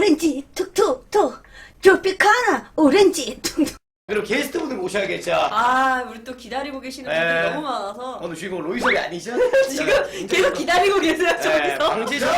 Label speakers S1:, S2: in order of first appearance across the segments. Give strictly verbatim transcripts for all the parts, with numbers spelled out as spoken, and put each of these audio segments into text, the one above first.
S1: 오렌지 툭툭툭 트로피카나 오렌지 툭툭.
S2: 그럼 게스트분들 모셔야겠죠.
S3: 아, 우리 또 기다리고 계시는 분들이
S2: 네.
S3: 너무 많아서
S2: 오늘 주인공 로이석이 아니죠?
S3: 지금 계속 기다리고 계세요,
S2: 네,
S3: 저기서.
S2: 방지석.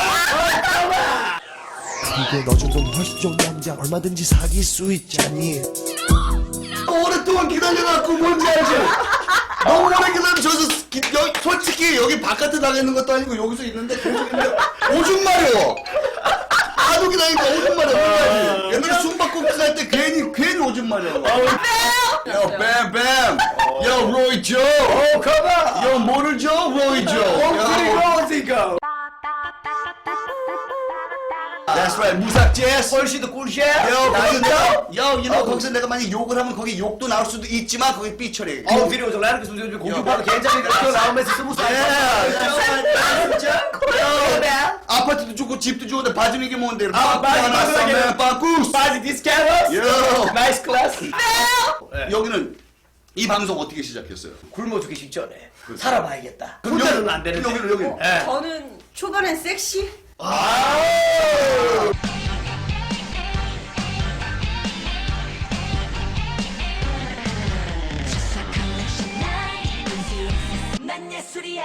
S4: 이게 너 정도면 훨씬 좋은 남자 얼마든지 사귈 수 있잖니.
S5: 오랫동안 기다려갖고 뭔지 알지? 너무 오래 기다리면 저기서 기- 여기, 솔직히 여기 바깥에 나가 있는 것도 아니고 여기서 있는데 계속 있는데 오줌 마려. 하도 기다리니까 오줌 마려. 몰라야지. 옛날에 숨바꼭질 할 때 괜히 괜히 오줌 마려. 요 뱀뱀. 요 로이 조.
S2: 오, 컴온.
S5: 요 뭐를 줘? 로이 조. 야,
S2: 오지고.
S5: That's right. 무삭 재즈.
S2: 훨씬도 꿀샷.
S5: 요, 거기서 내가, 요, you know,
S2: 어.
S5: 거기서 내가 만약 욕을 하면 거기 욕도 나올 수도 있지만 거기 삐처리.
S2: 어, 필요 없어. 나는 그 소리 좀 공주파도 괜찮으니까 또 나오면서 스무 살.
S5: 야, 아파트도 좋고 집도 좋은데 바지는 이게 뭔데?
S2: 아, 바지
S5: 하나
S2: 바지
S5: 싸면 빠꾸스.
S2: 바지 디스카우스.
S5: 요.
S2: 나이스 클래스.
S5: 여기는 이 방송 어떻게 시작했어요?
S2: 굶어 죽기 직전에 살아봐야겠다.
S5: 그럼
S2: 혼자는
S5: 여기-
S2: 안 되는데.
S5: 여기는 여기.
S2: 예.
S3: 저는 초반엔 섹시?
S2: 아.
S6: 난 예술이야.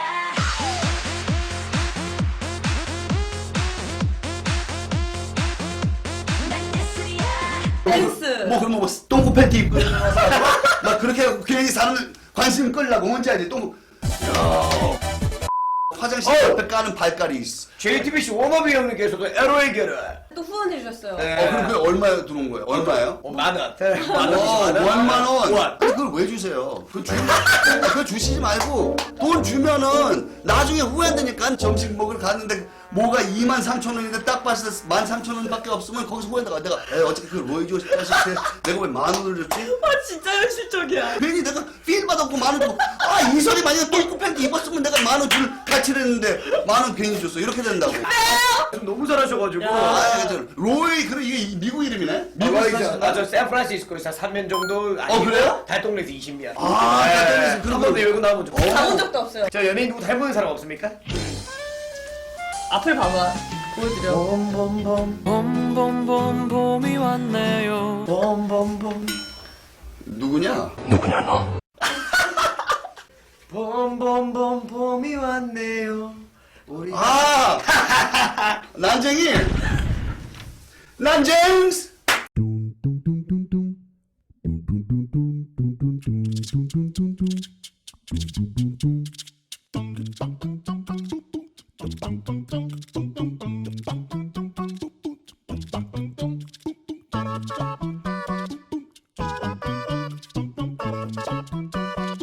S6: 난 예술이야.
S3: 댄스.
S5: 뭐 그럼 뭐 똥꼬 팬티 입고 나서 막 그렇게 하고 괜히 사람 관심 끌려고 뭔지 알지? 똥. 야. 화장실 옆에 까는 발깔이 있어.
S2: 제이티비씨 워너비 형님께서도 에로의 결을.
S3: 또 후원해주셨어요.
S2: 네.
S5: 어 그럼 그게 얼마에 들어온 거예요? 얼마예요?
S2: 어, 만 원.
S5: 와,
S2: 만 원.
S5: 원만 원.
S2: 원.
S5: 아니 그걸 왜 주세요? 그 주, 그거 주시지 말고 돈 주면은 나중에 후회되니까 점심 먹으러 갔는데 뭐가 이만 삼천 원인데 딱 봤을 때 만 삼천 원밖에 없으면 거기서 후회다가 내가 에 어차피 그 로이 조시 자식한테 내가 왜 만 원을 줬지?
S3: 아, 진짜 현실적이야.
S5: 괜히 내가 필 받았고 만 원 주고 아 이설이 만약에 똥꼬 팬티 입었으면 내가 만 원 줄 가치를 했는데 만 원 괜히 줬어 이렇게 된다고.
S2: 좀 너무 잘하셔가지고.
S5: 아 괜찮아. 로이 그래 이게 미국 이름이네? 미국
S2: 아, 저 샌프란시스코에서 삼 년 정도.
S5: 어, 그래요?
S2: 달동네에서 이십 년.
S5: 아, 달동네에서 그런
S2: 한 번도
S5: 거.
S2: 여기 나와본 적 없어요.
S3: 가본 적도 없어요.
S2: 저 연예인 누구 닮은 사람 없습니까?
S3: 앞을 봐봐. 보여드려.
S2: 봄봄봄
S7: 봄봄봄 봄이 왔네요.
S2: 봄봄봄
S5: 누구냐?
S2: 봄봄봄 봄이 왔네요. 우리
S5: 아! 난쟁이! 난쟁스!
S4: 둥둥둥둥둥